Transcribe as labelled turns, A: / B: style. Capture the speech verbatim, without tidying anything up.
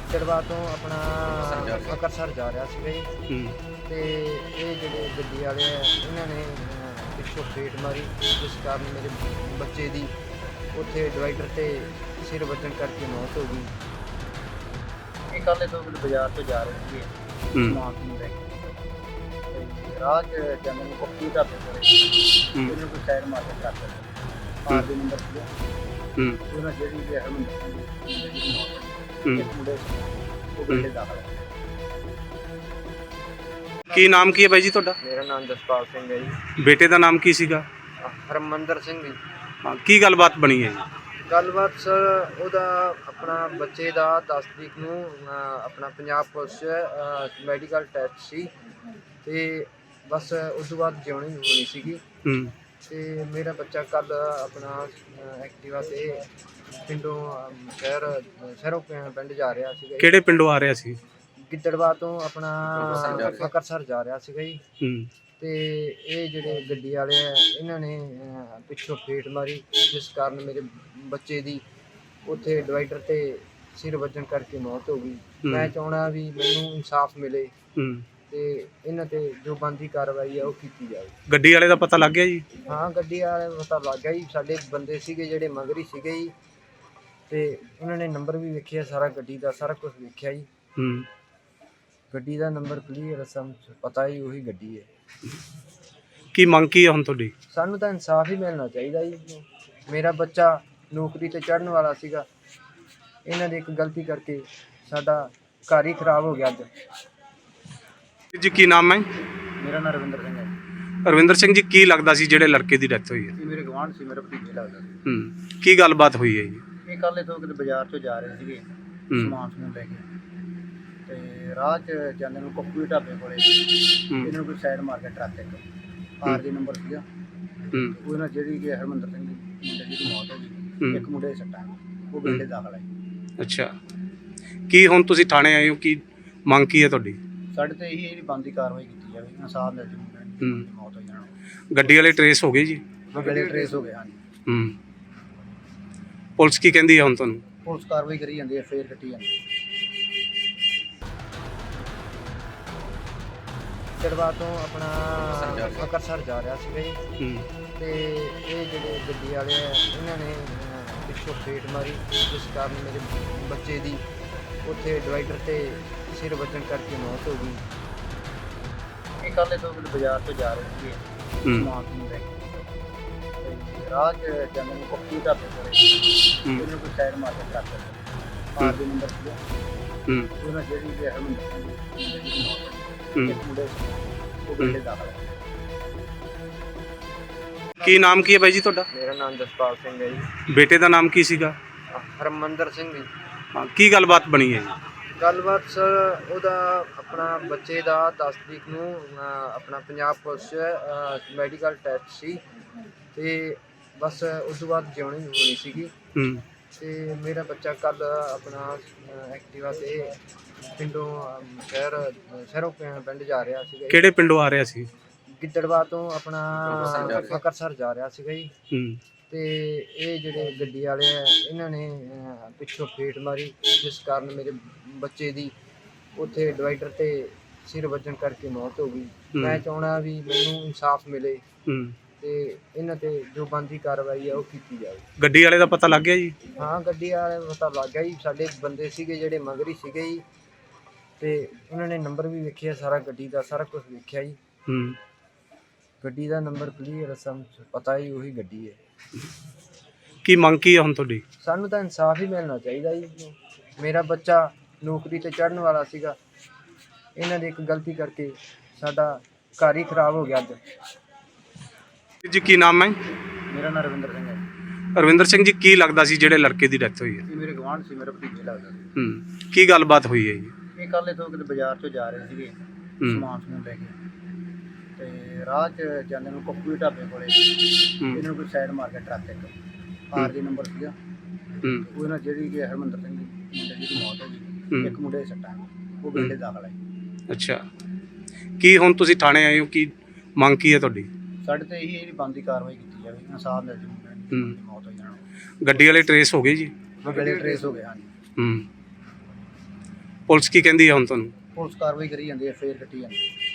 A: ਚੜਵਾ ਤੋਂ ਆਪਣਾ ਅੰਮ੍ਰਿਤਸਰ ਜਾ ਰਿਹਾ ਸੀਗਾ ਜੀ।
B: ਹੂੰ
A: ਤੇ ਇਹ ਜਿਹੜੇ ਗੱਡੀ ਵਾਲੇ ਆ ਇਹਨਾਂ ਨੇ ਅਹ, ਪਿੱਛੋਂ ਫੇਟ ਮਾਰੀ, ਜਿਸ ਕਾਰਨ ਮੇਰੇ ਬੱਚੇ ਦੀ ਉੱਥੇ ਡਿਵਾਈਡਰ ਤੇ ਸਿਰ ਵੱਜਣ ਕਰਕੇ ਮੌਤ ਹੋ ਗਈ। ਇਹ ਕੱਲ੍ਹ ਤੋਂ ਬਾਜ਼ਾਰ ਤੋਂ ਜਾ ਰਹੇ ਸੀਗੇ
B: ਹੂੰ
A: ਸਮਾਨ ਨੂੰ ਲੈ ਕੇ, ਤੇ ਰਾਹ 'ਚ ਜਾਂਦੇ ਨੂੰ ਪੱਕੀ ਢਾਬੇ ਕੋਲੇ
B: ਹੂੰ
A: ਇਹਨੂੰ ਕੋਈ ਸਾਈਡ ਮਾਰ ਕੇ ਕਰ ਦਿੱਤਾ। ਆਰ ਦੇ ਨੰਬਰ ਸੀਗਾ
B: ਹੂੰ
A: ਉਹਨਾਂ ਜਿਹੜੀ ਵੀ ਹਰਮੰਦਰ ਸਿੰਘ ਦੀ ਜਿਹੜੀ ਮੌਤ ਹੋ ਗਈ।
B: ਹੂੰ
A: ਇੱਕ ਮੁੰਡੇ ਸੀ, ਉਹ ਗੱਡੇ ਦਾਖਲ ਹੈ।
B: ਕੀ ਨਾਮ ਕੀ ਹੈ ਬਾਈ ਜੀ ਤੁਹਾਡਾ?
A: ਮੇਰਾ ਨਾਮ ਜਸਪਾਲ ਸਿੰਘ ਹੈ ਜੀ।
B: ਬੇਟੇ ਦਾ ਨਾਮ ਕੀ ਸੀਗਾ?
A: ਹਰਮੰਦਰ ਸਿੰਘ ਜੀ।
B: ਹਾਂ, ਕੀ ਗੱਲਬਾਤ ਬਣੀ ਹੈ ਜੀ?
A: ਗੱਲਬਾਤ ਸਰ ਉਹਦਾ ਆਪਣਾ ਬੱਚੇ ਦਾ ਦਸ ਤਰੀਕ ਨੂੰ ਅਹ, ਆਪਣਾ ਪੰਜਾਬ ਪੁਲਿਸ 'ਚ ਮੈਡੀਕਲ ਟੈਸਟ ਸੀ, ਤੇ ਬਸ ਉਸ ਤੋਂ ਬਾਅਦ ਜਿਉਣੀ ਹੋਣੀ ਸੀਗੀ।
B: ਹੂੰ
A: ਤੇ ਮੇਰਾ ਬੱਚਾ ਕੱਲ ਆਪਣਾ ਅਹ, ਐਕਟਿਵਾ ਤੇ ਪਿੰਡੋਂ ਅਮ, ਸ਼ਹਿਰ ਸ਼ਹਿਰੋਂ ਪਿੰ- ਪਿੰਡ ਜਾ ਰਿਹਾ ਸੀਗਾ ਜੀ।
B: ਕਿਹੜੇ ਪਿੰਡੋਂ ਆ ਰਿਹਾ ਸੀ?
A: ਗਿੱਦੜਵਾ ਤੋਂ ਆਪਣਾ ਅੰਮ੍ਰਿਤਸਰ ਜਾ ਰਿਹਾ ਸੀਗਾ ਜੀ।
B: ਹੂੰ
A: ਤੇ ਇਹ ਜਿਹੜੇ ਗੱਡੀ ਵਾਲੇ ਆ ਇਹਨਾਂ ਨੇ ਅਹ, ਪਿੱਛੋਂ ਫੇਟ ਮਾਰੀ, ਜਿਸ ਕਾਰਨ ਮੇਰੇ ਬੱਚੇ ਦੀ ਉੱਥੇ ਡਿਵਾਈਡਰ ਤੇ ਸਿਰ ਵੱਜਣ ਕਰਕੇ ਮੌਤ ਹੋ ਗਈ।
B: ਹੂੰ।
A: ਮੈਂ ਚਾਹੁੰਦਾ ਵੀ ਮੈਨੂੰ ਇਨਸਾਫ ਮਿਲੇ
B: ਹੂੰ
A: ਤੇ ਇਹਨਾਂ ਤੇ ਜੋ ਬਣਦੀ ਕਾਰਵਾਈ ਆ ਉਹ ਕੀਤੀ ਜਾਵੇ।
B: ਗੱਡੀ ਵਾਲੇ ਦਾ ਪਤਾ ਲੱਗ ਗਿਆ ਜੀ?
A: ਹਾਂ, ਗੱਡੀ ਵਾਲੇ ਨੂੰ ਪਤਾ ਲੱਗ ਗਿਆ ਜੀ। ਸਾਡੇ ਬੰਦੇ ਸੀਗੇ ਜਿਹੜੇ ਮਗਰੀ ਸੀਗੇ ਜੀ, ਤੇ ਉਹਨਾਂ ਨੇ ਨੰਬਰ ਵੀ ਵੇਖਿਆ, ਸਾਰਾ ਗੱਡੀ ਦਾ ਸਾਰਾ ਕੁਝ ਵੇਖਿਆ ਜੀ।
B: ਹੂੰ
A: ਗੱਡੀ ਦਾ ਨੰਬਰ ਕਲੀਅਰ ਸਮ ਪਤਾ ਹੀ ਉਹੀ ਗੱਡੀ ਹੈ।
B: ਕੀ ਮੰਗ ਕੀ ਹੈ ਹੁਣ ਤੁਹਾਡੀ?
A: ਸਾਨੂੰ ਤਾਂ ਇਨਸਾਫ ਹੀ ਮਿਲਣਾ ਚਾਹੀਦਾ ਜੀ। ਮੇਰਾ ਬੱਚਾ ਨੌਕਰੀ ਤੇ ਚੜ੍ਹਨ ਵਾਲਾ ਸੀਗਾ, ਇਹਨਾਂ ਦੀ ਇੱਕ ਗਲਤੀ ਕਰਕੇ ਸਾਡਾ ਘਰ ਹੀ ਖਰਾਬ ਹੋ ਗਿਆ ਅੱਜ।
B: ਜੀ ਕੀ ਨਾਮ ਹੈ?
A: ਮੇਰਾ ਨਾਮ ਰਵਿੰਦਰ ਸਿੰਘ ਹੈ।
B: ਰਵਿੰਦਰ ਸਿੰਘ ਜੀ, ਕੀ ਲੱਗਦਾ ਸੀ ਜਿਹੜੇ ਲੜਕੇ ਦੀ ਡੈਥ ਹੋਈ ਹੈ?
A: ਇਹ ਮੇਰੇ ਗਵਾਂਢ ਸੀ, ਮੇਰਾ ਭਤੀਜਾ ਲੱਗਦਾ ਸੀ।
B: ਹੂੰ ਕੀ ਗੱਲਬਾਤ ਹੋਈ ਹੈ ਜੀ?
A: ਇਹ ਕੱਲ੍ਹ ਤੋਂ ਕਿਤੇ ਬਾਜ਼ਾਰ ਤੋਂ ਜਾ ਰਹੇ ਸੀਗੇ
B: ਹੂੰ
A: ਸਮਾਨ ਸਮੂਨ ਲੈ ਕੇ, ਤੇ ਰਾਹ 'ਚ ਜਾਂਦੇ ਨੂੰ ਪੱਪੂ ਦੇ ਢਾਬੇ ਕੋਲੇ
B: ਹੂੰ
A: ਇਹਨਾਂ ਨੂੰ ਕੋਈ ਸਾਈਡ ਮਾਰ ਕੇ ਟਰੱਕ ਇੱਕ ਆਰ ਦੇ ਨੰਬਰ ਸੀਗਾ,
B: ਹੂੰ
A: ਉਹ ਨਾਲ ਜਿਹੜੀ ਕਿ ਹਰਮੰਦਰ ਸਿੰਘ ਦੀ ਮੁੰਡੇ ਦੀ ਮੌਤ ਹੋ ਗਈ।
B: ਹੂੰ।
A: ਇੱਕ ਮੁੰਡੇ ਦੇ ਸੱਟਾਂ, ਉਹ ਗੱਡੇ ਦਾਖਲ ਹੈ।
B: ਅੱਛਾ, ਕੀ ਹੁਣ ਤੁਸੀਂ ਥਾਣੇ ਆਏ ਹੋ, ਕੀ ਮੰਗ ਕੀ ਹੈ ਤੁਹਾਡੀ?
A: ਸਾਡੇ ਤੇ ਇਹੀ ਜਿਹੜੀ ਬਣਦੀ ਕਾਰਵਾਈ ਕੀਤੀ ਜਾਵੇ, ਇਨਸਾਫ ਮਿਲ ਜਾਵੇ ਮੁੰਡੇ ਦੀ
B: ਹੂੰ।
A: ਮੌਤ ਹੋਈ ਜਾਣਾ।
B: ਗੱਡੀ ਵਾਲੇ ਟਰੇਸ ਹੋ ਗਏ ਜੀ?
A: ਗੱਡੇ ਟਰੇਸ ਹੋ ਗਏ ਹਨ।
B: ਹੂੰ ਪੁਲਿਸ ਕੀ ਕਹਿੰਦੀ ਹੈ ਹੁਣ ਤੁਹਾਨੂੰ?
A: ਪੁਲਿਸ ਕਾਰਵਾਈ ਕਰੀ ਜਾਂਦੀ ਹੈ, ਫੇਰ ਕੱਟੀ ਜਾਂਦੀ ਹੈ। ਚੜਵਾ ਤੋਂ ਆਪਣਾ ਅੰਮ੍ਰਿਤਸਰ ਜਾ ਰਿਹਾ ਸੀਗਾ ਜੀ।
B: ਹੂੰ
A: ਤੇ ਇਹ ਜਿਹੜੇ ਗੱਡੀ ਵਾਲੇ ਆ ਇਹਨਾਂ ਨੇ ਅਹ, ਪਿੱਛੋਂ ਫੇਟ ਮਾਰੀ, ਜਿਸ ਕਾਰਨ ਮੇਰੇ ਬੱਚੇ ਦੀ ਉੱਥੇ ਡਿਵਾਈਡਰ ਤੇ ਸਿਰ ਵੱਜਣ ਕਰਕੇ ਮੌਤ ਹੋ ਗਈ। ਇਹ ਕੱਲ੍ਹ ਤੋਂ ਬਾਜ਼ਾਰ ਤੋਂ ਜਾ ਰਹੇ ਸੀਗੇ
B: ਹੂੰ
A: ਸਮਾਨ ਨੂੰ ਲੈ ਕੇ, ਤੇ ਰਾਹ 'ਚ ਜਾਂਦੇ ਨੂੰ ਪੱਕੀ ਢਾਬੇ ਕੋਲੇ
B: ਹੂੰ
A: ਇਹਨੂੰ ਕੋਈ ਸਾਈਡ ਮਾਰ ਕੇ ਕਰ ਦਿੱਤਾ। ਆਰ ਦੇ ਨੰਬਰ ਸੀਗਾ,
B: ਹੂੰ
A: ਉਹਨਾਂ ਜਿਹੜੀ ਵੀ ਹਰਮੰਦਰ ਸਿੰਘ ਦੀ ਜਿਹੜੀ ਮੌਤ ਹੋ ਗਈ।
B: ਹੂੰ
A: ਇੱਕ ਮੁੰਡੇ ਸੀ, ਉਹ ਗੱਡੇ ਦਾਖਲ ਹੈ।
B: ਕੀ ਨਾਮ ਕੀ ਹੈ ਬਾਈ ਜੀ ਤੁਹਾਡਾ?
A: ਮੇਰਾ ਨਾਮ ਜਸਪਾਲ ਸਿੰਘ ਹੈ ਜੀ।
B: ਬੇਟੇ ਦਾ ਨਾਮ ਕੀ ਸੀਗਾ?
A: ਹਰਮੰਦਰ ਸਿੰਘ ਜੀ।
B: ਹਾਂ, ਕੀ ਗੱਲਬਾਤ ਬਣੀ ਹੈ ਜੀ?
A: ਗੱਲਬਾਤ ਸਰ ਉਹਦਾ ਆਪਣਾ ਬੱਚੇ ਦਾ ਦਸ ਤਰੀਕ ਨੂੰ ਅਹ, ਆਪਣਾ ਪੰਜਾਬ ਪੁਲਿਸ 'ਚ ਮੈਡੀਕਲ ਟੈਸਟ ਸੀ, ਤੇ ਬਸ ਉਸ ਤੋਂ ਬਾਅਦ ਜਿਉਣੀ ਹੋਣੀ ਸੀਗੀ।
B: ਹੂੰ
A: ਤੇ ਮੇਰਾ ਬੱਚਾ ਕੱਲ ਆਪਣਾ ਅਹ, ਐਕਟਿਵਾ ਤੇ ਪਿੰਡੋਂ ਅਮ, ਸ਼ਹਿਰ ਸ਼ਹਿਰੋਂ ਪਿੰ- ਪਿੰਡ ਜਾ ਰਿਹਾ ਸੀਗਾ ਜੀ।
B: ਕਿਹੜੇ ਪਿੰਡੋਂ ਆ ਰਿਹਾ ਸੀ?
A: ਗਿੱਦੜਵਾ ਤੋਂ ਆਪਣਾ ਅੰਮ੍ਰਿਤਸਰ ਜਾ ਰਿਹਾ ਸੀਗਾ ਜੀ।
B: ਹੂੰ
A: ਤੇ ਇਹ ਜਿਹੜੇ ਗੱਡੀ ਵਾਲੇ ਆ ਇਹਨਾਂ ਨੇ ਅਹ, ਪਿੱਛੋਂ ਫੇਟ ਮਾਰੀ, ਜਿਸ ਕਾਰਨ ਮੇਰੇ ਬੱਚੇ ਦੀ ਉੱਥੇ ਡਿਵਾਈਡਰ ਤੇ ਸਿਰ ਵੱਜਣ ਕਰਕੇ ਮੌਤ ਹੋ ਗਈ।
B: ਹੂੰ।
A: ਮੈਂ ਚਾਹੁੰਦਾ ਵੀ ਮੈਨੂੰ ਇਨਸਾਫ ਮਿਲੇ
B: ਹੂੰ
A: ਤੇ ਇਹਨਾਂ ਤੇ ਜੋ ਬਣਦੀ ਕਾਰਵਾਈ ਆ ਉਹ ਕੀਤੀ ਜਾਵੇ।
B: ਗੱਡੀ ਵਾਲੇ ਦਾ ਪਤਾ ਲੱਗ ਗਿਆ ਜੀ?
A: ਹਾਂ, ਗੱਡੀ ਵਾਲੇ ਨੂੰ ਪਤਾ ਲੱਗ ਗਿਆ ਜੀ। ਸਾਡੇ ਬੰਦੇ ਸੀਗੇ ਜਿਹੜੇ ਮਗਰੀ ਸੀਗੇ ਜੀ, ਤੇ ਉਹਨਾਂ ਨੇ ਨੰਬਰ ਵੀ ਵੇਖਿਆ, ਸਾਰਾ ਗੱਡੀ ਦਾ ਸਾਰਾ ਕੁਝ ਵੇਖਿਆ ਜੀ।
B: ਹੂੰ
A: ਗੱਡੀ ਦਾ ਨੰਬਰ ਕਲੀਅਰ ਸਮ ਪਤਾ ਹੀ ਉਹੀ ਗੱਡੀ ਹੈ।
B: ਕੀ ਮੰਗ ਕੀ ਹੈ ਹੁਣ ਤੁਹਾਡੀ?
A: ਸਾਨੂੰ ਤਾਂ ਇਨਸਾਫ ਹੀ ਮਿਲਣਾ ਚਾਹੀਦਾ ਜੀ। ਮੇਰਾ ਬੱਚਾ ਨੌਕਰੀ ਤੇ ਚੜ੍ਹਨ ਵਾਲਾ ਸੀਗਾ, ਇਹਨਾਂ ਦੀ ਇੱਕ ਗਲਤੀ ਕਰਕੇ ਸਾਡਾ ਘਰ ਹੀ ਖਰਾਬ ਹੋ ਗਿਆ ਅੱਜ।
B: ਜੀ ਕੀ ਨਾਮ ਹੈ?
A: ਮੇਰਾ ਨਾਮ ਰਵਿੰਦਰ ਸਿੰਘ ਹੈ।
B: ਰਵਿੰਦਰ ਸਿੰਘ ਜੀ, ਕੀ ਲੱਗਦਾ ਸੀ ਜਿਹੜੇ ਲੜਕੇ ਦੀ ਡੈਥ ਹੋਈ ਹੈ?
A: ਇਹ ਮੇਰੇ ਗਵਾਂਢ ਸੀ, ਮੇਰਾ ਭਤੀਜਾ ਲੱਗਦਾ ਸੀ।
B: ਹੂੰ ਕੀ ਗੱਲਬਾਤ ਹੋਈ ਹੈ ਜੀ?
A: ਇਹ ਕੱਲ੍ਹ ਤੋਂ ਕਿਤੇ ਬਾਜ਼ਾਰ ਤੋਂ ਜਾ ਰਹੇ ਸੀਗੇ
B: ਹੂੰ
A: ਸਮਾਨ ਸਮੂਨ ਲੈ ਕੇ, ਤੇ ਰਾਹ 'ਚ ਜਾਂਦੇ ਨੂੰ ਪੱਪੂ ਦੇ ਢਾਬੇ ਕੋਲੇ
B: ਹੂੰ
A: ਇਹਨਾਂ ਨੂੰ ਕੋਈ ਸਾਈਡ ਮਾਰ ਕੇ ਟਰੱਕ ਇੱਕ ਆਰ ਦੇ ਨੰਬਰ ਸੀਗਾ,
B: ਹੂੰ
A: ਉਹ ਨਾਲ ਜਿਹੜੀ ਕਿ ਹਰਮੰਦਰ ਸਿੰਘ ਦੀ ਮੁੰਡੇ ਦੀ ਮੌਤ ਹੋ ਗਈ।
B: ਹੂੰ।
A: ਇੱਕ ਮੁੰਡੇ ਦੇ ਸੱਟਾਂ, ਉਹ ਗੱਡੇ ਦਾਖਲ ਹੈ।
B: ਅੱਛਾ, ਕੀ ਹੁਣ ਤੁਸੀਂ ਥਾਣੇ ਆਏ ਹੋ, ਕੀ ਮੰਗ ਕੀ ਹੈ ਤੁਹਾਡੀ?
A: ਸਾਡੇ ਤੇ ਇਹੀ ਜਿਹੜੀ ਬਣਦੀ ਕਾਰਵਾਈ ਕੀਤੀ ਜਾਵੇ, ਇਨਸਾਫ ਮਿਲ ਜਾਵੇ ਮੁੰਡੇ
B: ਹੂੰ।
A: ਦੀ ਮੌਤ ਹੋਈ ਜਾਣਾ।
B: ਗੱਡੀ ਵਾਲੇ ਟਰੇਸ ਹੋ ਗਏ ਜੀ?
A: ਗੱਡੇ ਟਰੇਸ ਹੋ ਗਏ ਹਨ।
B: ਹੂੰ ਪੁਲਿਸ ਕੀ ਕਹਿੰਦੀ ਹੈ ਹੁਣ ਤੁਹਾਨੂੰ?
A: ਪੁਲਿਸ ਕਾਰਵਾਈ ਕਰੀ ਜਾਂਦੀ ਹੈ, ਫੇਰ ਕੱਟੀ ਜਾਂਦੀ ਹੈ।